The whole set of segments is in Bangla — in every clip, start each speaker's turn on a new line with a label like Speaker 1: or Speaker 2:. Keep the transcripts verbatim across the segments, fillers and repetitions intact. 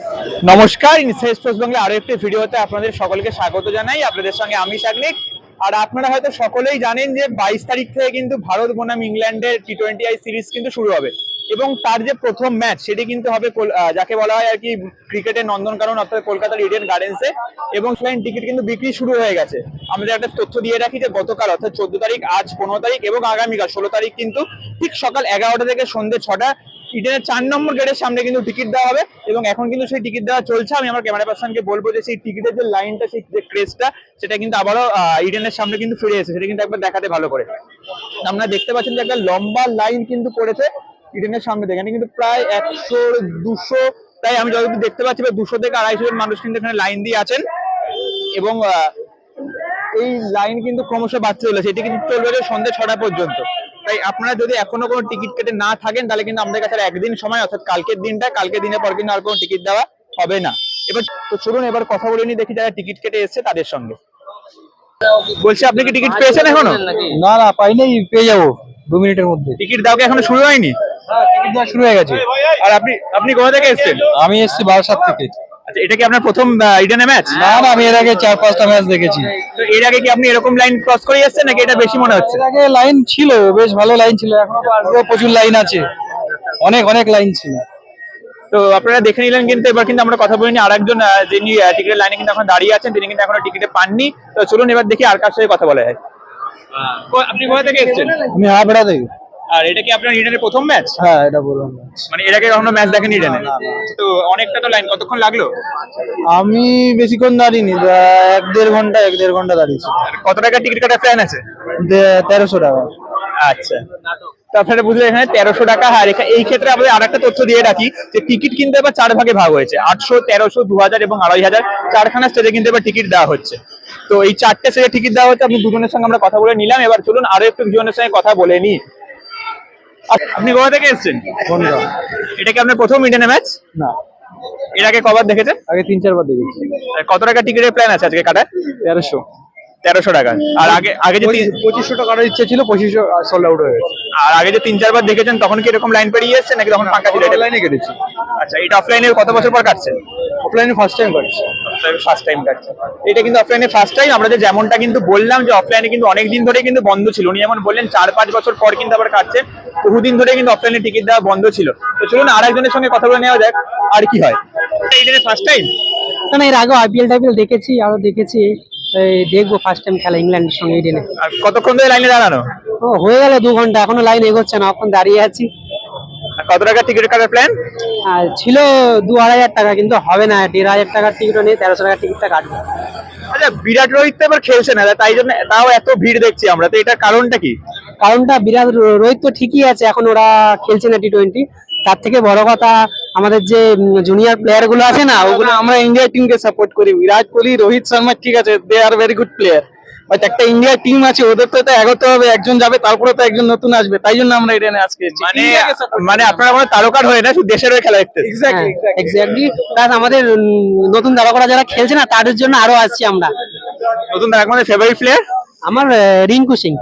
Speaker 1: নমস্কার, ইনসাইড স্পোর্টস বাংলা আরো একটি ভিডিওতে আপনাদের সকলকে স্বাগত জানাই। আপনাদের সঙ্গে আমি সাগনিক। আর আপনারা হয়তো সকলেই জানেন যে বাইশ তারিখ থেকে কিন্তু ভারত বনাম ইংল্যান্ডের টি টোয়েন্টি আই সিরিজ কিন্তু শুরু হবে এবং তার যে প্রথম ম্যাচ সেটি কিন্তু হবে যাকে বলা হয় আর কি ক্রিকেটের নন্দনকানন অর্থাৎ কলকাতার ইডেন গার্ডেন্সে। এবং ফ্লাইন টিকিট কিন্তু বিক্রি শুরু হয়ে গেছে। আমাদের একটা তথ্য দিয়ে রাখি যে গতকাল অর্থাৎ চোদ্দ তারিখ, আজ পনেরো তারিখ এবং আগামীকাল ষোলো তারিখ কিন্তু ঠিক সকাল এগারোটা থেকে সন্ধ্যে ছটা ইডেনের চার নম্বর গেটের সামনে কিন্তু টিকিট দেওয়া হবে এবং এখন কিন্তু সেই টিকিট দেওয়া চলছে। আমি আমার ক্যামেরা পার্সনকে বলবো যে সেই টিকিটের যে লাইনটা, সেই যে ক্রেজটা, সেটা কিন্তু আবারও ইডেনের সামনে কিন্তু ফিরে এসেছে। সেটা কিন্তু একবার দেখাতে ভালো করে। আপনারা দেখতে পাচ্ছেন যে একটা লম্বা লাইন কিন্তু পড়েছে ইডেনের সামনে থেকে। এখানে কিন্তু প্রায় একশো দুশো, তাই আমি যতদূর দেখতে পাচ্ছি দুশো থেকে আড়াইশো জন মানুষ কিন্তু এখানে লাইন দিয়ে আছেন এবং এই লাইন কিন্তু ক্রমশ বাড়তে চলেছে। এটি কিন্তু চলবে সন্ধ্যে ছটা পর্যন্ত। তাই আপনারা যদি এখনো কোনো টিকিট কেটে না থাকেন তাহলে কিন্তু আমাদের কাছে একদিন সময়, অর্থাৎ কালকের দিনটা, কালকের দিনের পর কিন্তু আর কোনো টিকিট দেওয়া হবে না। এবার তো চলুন এবার কথা বলে নিই, দেখি যারা টিকিট কেটে এসেছে তাদের সঙ্গে। বলছি, আপনি কি টিকিট পেয়েছেন এখনো?
Speaker 2: না না, পাইনি, পেয়ে যাবো দু মিনিটের মধ্যে।
Speaker 1: টিকিট দাও কি এখনো শুরু হয়নি?
Speaker 2: হ্যাঁ, টিকিট দেওয়া শুরু হয়ে গেছে।
Speaker 1: আর আপনি আপনি কোথা থেকে এসেছেন?
Speaker 2: আমি এসেছি বারাসাত থেকে।
Speaker 1: আচ্ছা, এটা কি আপনার প্রথম ইডেনে ম্যাচ?
Speaker 2: না না, আমি এর আগে চার পাঁচটা ম্যাচ দেখেছি।
Speaker 1: তো এর আগে কি আপনি এরকম লাইন ক্রস করে এসেছেন নাকি এটা বেশি মনে হচ্ছে?
Speaker 2: এর আগে লাইন ছিল, বেশ ভালো লাইন ছিল, এখনো তো আসলেও প্রচুর লাইন আছে, অনেক অনেক লাইন ছিল।
Speaker 1: তো আপনারা দেখে নিলেন। কিন্তু এবার কিন্তু আমরা কথা বলিনি আরেকজন যিনি টিকিটের লাইনে কিন্তু এখন দাঁড়িয়ে আছেন, তিনি কিন্তু এখনো টিকিটে পাননি। তো চলুন এবার দেখি আর কার সাথে কথা বলা হয়। আপনি কোথা থেকে এসেছেন?
Speaker 2: আমি হাবড়া থেকে।
Speaker 1: আর এটা কি আপনার ইডেনের প্রথম ম্যাচ?
Speaker 2: হ্যাঁ, এটা বললাম।
Speaker 1: মানে এর আগে কখনো ম্যাচ দেখেন ইডেনে? তো অনেকটা তো লাইন, কতক্ষণ লাগলো?
Speaker 2: আমি বেশিক্ষণ দাঁড়িয়েনি, এক দেড় ঘন্টা এক দেড় ঘন্টা দাঁড়িয়েছি।
Speaker 1: কত টাকা টিকিট কাটার প্ল্যান আছে?
Speaker 2: তেরোশো টাকা।
Speaker 1: আচ্ছা, তো আপনারা বুঝলেন এখানে তেরোশো টাকা। আর এই ক্ষেত্রে আমাদের আর একটা তথ্য দিয়ে রাখি যে টিকিট কিন্তু এবার চার ভাগে ভাগ হয়েছে, আটশো, তেরোশো, দু হাজার এবং আড়াই হাজার। চারখানা স্টেজে কিন্তু এবার টিকিট দেওয়া হচ্ছে। তো এই চারটে স্টেজে টিকিট দেওয়া হচ্ছে। আপনি দুজনের সঙ্গে আমরা কথা বলে নিলাম। এবার চলুন আরো একটু দুজনের সঙ্গে কথা বলে নিই। আপনি কোথা থেকে এসেছেন?
Speaker 2: কোনটা?
Speaker 1: এটা কি আপনার প্রথম ইডেনে ম্যাচ?
Speaker 2: না,
Speaker 1: এর আগে কবার দেখেছেন?
Speaker 2: আগে তিন চারবার দেখেছি।
Speaker 1: কত টাকা টিকিটের প্ল্যান আছে আজকে কাটার?
Speaker 2: তেরোশো।
Speaker 1: তেরোশো টাকা। আর আগে আগে যে
Speaker 2: পঁচিশশো টাকার ইচ্ছে ছিল, পঁচিশশো সোল্ড আউট হয়ে গেছে।
Speaker 1: আর আগে যে তিন চারবার দেখেছেন তখন কি এরকম লাইন পেরিয়ে এসেছে নাকি তখন ফাঁকা ছিল?
Speaker 2: লাইনে কেটেছি।
Speaker 1: আচ্ছা, এটা অফলাইনে কত বছর পর কাটছে?
Speaker 2: অফলাইনে ফার্স্ট টাইম কাটছে।
Speaker 1: ফার্স্ট টাইম কাটছে। এটা কিন্তু অফলাইনে ফার্স্ট টাইম। আমরা যে যেমনটা কিন্তু বললাম যে অফলাইনে কিন্তু অনেকদিন ধরে কিন্তু বন্ধ ছিল। উনি যেমন বললেন চার পাঁচ বছর পর কিন্তু আবার কাটছে। বহুদিন ধরে কিন্তু অফলাইনে টিকিট দেওয়া বন্ধ ছিল। তো চলুন আর একজনের সঙ্গে কথা বলে নেওয়া যাক আর কি হয়। এটা ফার্স্ট টাইম?
Speaker 3: না, এর আগে আইপিএল টাইপিএল দেখেছি, আরো দেখেছি, দেখবো ফার্স্ট টাইম খেলা ইংল্যান্ডের সঙ্গে ইডেনে।
Speaker 1: আর কতক্ষণ ধরে লাইনে দাঁড়ানো?
Speaker 3: ও হয়ে গেল দু ঘন্টা, এখনো লাইন এগোচ্ছে না, এখন দাঁড়িয়ে আছি।
Speaker 1: কত টাকা টিকিট কাটার প্ল্যান?
Speaker 3: আর ছিল দু আড়াই হাজার টাকা, কিন্তু হবে না, দেড় হাজার টাকার টিকিটও নেই, তেরোশো টাকার টিকিটটা কাটবে।
Speaker 1: আচ্ছা, বিরাট রোহিত তো এবার খেলছে না, তাই জন্য তাও এত ভিড় দেখছি আমরা। তো এটার কারণটা কি?
Speaker 3: কারণটা বিরাট রোহিত তো ঠিকই আছে, এখন ওরা খেলছে না টি টোয়েন্টি। তার থেকে বড় কথা আমাদের যে জুনিয়র প্লেয়ার গুলো আছে না, ওগুলো
Speaker 2: আমরা ইন্ডিয়া টিমকে সাপোর্ট করি। বিরাট কোহলি, রোহিত শর্মা ঠিক আছে, they are very good player, but একটা ইন্ডিয়া টিম আছে, ওদের তো এটা এগোতে হবে। একজন যাবে, তারপরে তো একজন নতুন আসবে, তাই জন্য আমরা ইডেনে আজকে এসেছি।
Speaker 1: মানে মানে আপনারা কোনো তারকার হয়ে না, শুধু দেশের হয়ে খেলা দেখতে?
Speaker 3: এক্স্যাক্টলি এক্স্যাক্টলি প্লাস আমাদের নতুন তারকারা যারা খেলছে না তাদের জন্য আরো আসছি আমরা।
Speaker 1: নতুন তারকা মানে ফেভারিট প্লেয়ার
Speaker 3: আমার রিঙ্কু সিং।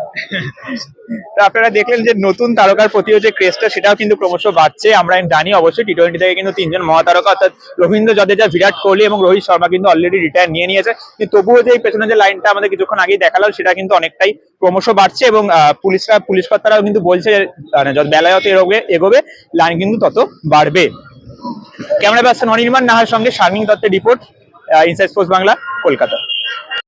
Speaker 1: তো আপনারা দেখলেন যে নতুন তারকার প্রতি যে ক্রেজটা সেটাও কিন্তু ক্রমশ বাড়ছে। আমরা জানি অবশ্যই টি টোয়েন্টি থেকে কিন্তু তিনজন মহাতারকা অর্থাৎ রবীন্দ্র জাদেজা, বিরাট কোহলি এবং রোহিত শর্মা কিন্তু অলরেডি রিটায়ার নিয়ে নিয়েছে। কিন্তু তবুও যে পেছনে যে লাইনটা আমাদের কিছুক্ষণ আগেই দেখালাম সেটা কিন্তু অনেকটাই ক্রমশ বাড়ছে এবং পুলিশরা পুলিশ কর্তারাও কিন্তু বলছে যত বেলায় যত এগোবে এগোবে লাইন কিন্তু তত বাড়বে। ক্যামেরা পার্সন অনির্বাণ নাহার সঙ্গে শারমিন দত্তের report, Inside Sports Bangla, Kolkata.